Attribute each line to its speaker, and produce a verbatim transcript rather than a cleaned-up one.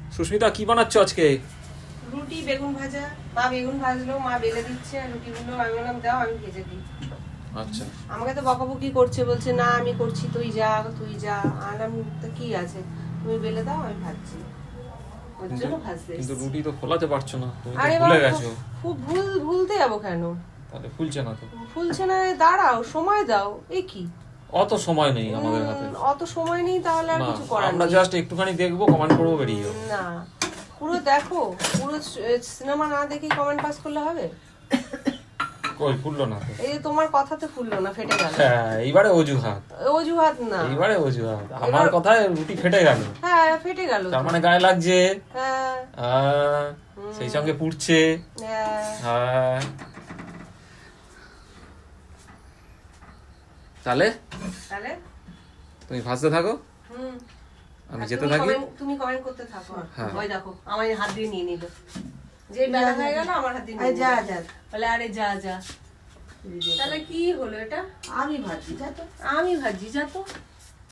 Speaker 1: সুস্মিতা কি বানাচ্ছ আজকে?
Speaker 2: রুটি বেগুন ভাজা। মা বেগুন ভাজলো, মা বেলে দিচ্ছে, আর রুটিগুলো আমি বললাম দাও আমি ভেজে দিই।
Speaker 1: আচ্ছা,
Speaker 2: আমাকে তো বকাবকি করছে, বলছে না আমি করছি তুই যা তুই যা। আনাম তো কি আছে, তুমি বেলে দাও আমি ভাজছি, ওর
Speaker 1: কিন্তু
Speaker 2: জন্য ভাজতে
Speaker 1: কিন্তু
Speaker 2: এসেছি।
Speaker 1: রুটি তো ফোলাতে পারছো না, তুমি তো
Speaker 2: আরে
Speaker 1: ভুলে
Speaker 2: বাবা,
Speaker 1: গেছো।
Speaker 2: খুব ভুল ভুলতে যাবো কেন?
Speaker 1: তাহলে ফুলছে না তো?
Speaker 2: ফুলছে না, দাঁড়াও সময় দাও। এ কি
Speaker 1: অত সময় নেই আমাদের হাতে।
Speaker 2: উম, অত সময় নেই তাহলে আর
Speaker 1: না,
Speaker 2: কিছু করার
Speaker 1: আমরা
Speaker 2: নেই।
Speaker 1: জাস্ট একটুখানি দেখবো, কমেন্ট করবো, বেরিয়ে যাবো।
Speaker 2: না, পুরো দেখো, পুরো সিনেমা না দেখে কমেন্ট পাস করলে হবে?
Speaker 1: কই ফুললো না তো?
Speaker 2: এই যে তোমার কথাতে ফুললো না, ফেটে গেল।
Speaker 1: হ্যাঁ, এইবারে অজুহাত,
Speaker 2: অজুহাত না,
Speaker 1: এইবারে অজুহাত। আমার কথায় রুটি ফেটে গেল,
Speaker 2: হ্যাঁ ফেটে গেল।
Speaker 1: তার মানে গায়ে লাগছে।
Speaker 2: হ্যাঁ
Speaker 1: আহ, সেই সঙ্গে পুড়ছে।
Speaker 2: হ্যাঁ।
Speaker 1: হ্যাঁ, তাহলে
Speaker 2: তাহলে
Speaker 1: তুমি ভাজতে থাকো,
Speaker 2: হুম,
Speaker 1: আমি
Speaker 2: আর
Speaker 1: যেতে
Speaker 2: তুমি
Speaker 1: থাকি।
Speaker 2: comment- তুমি কমেন্ট করতে থাকো।
Speaker 1: হ্যাঁ।
Speaker 2: ওই দেখো আমার হাত দিয়ে নিয়ে নিল, যে বেলা হয়ে গেল আমার হাত দিয়ে নিয়ে
Speaker 3: যা
Speaker 2: নিল।
Speaker 3: যা
Speaker 2: বলে আরে যা যা। তাহলে কি হলো এটা?
Speaker 3: আমি ভাবছি যা তো
Speaker 2: আমি ভাজি যা তো।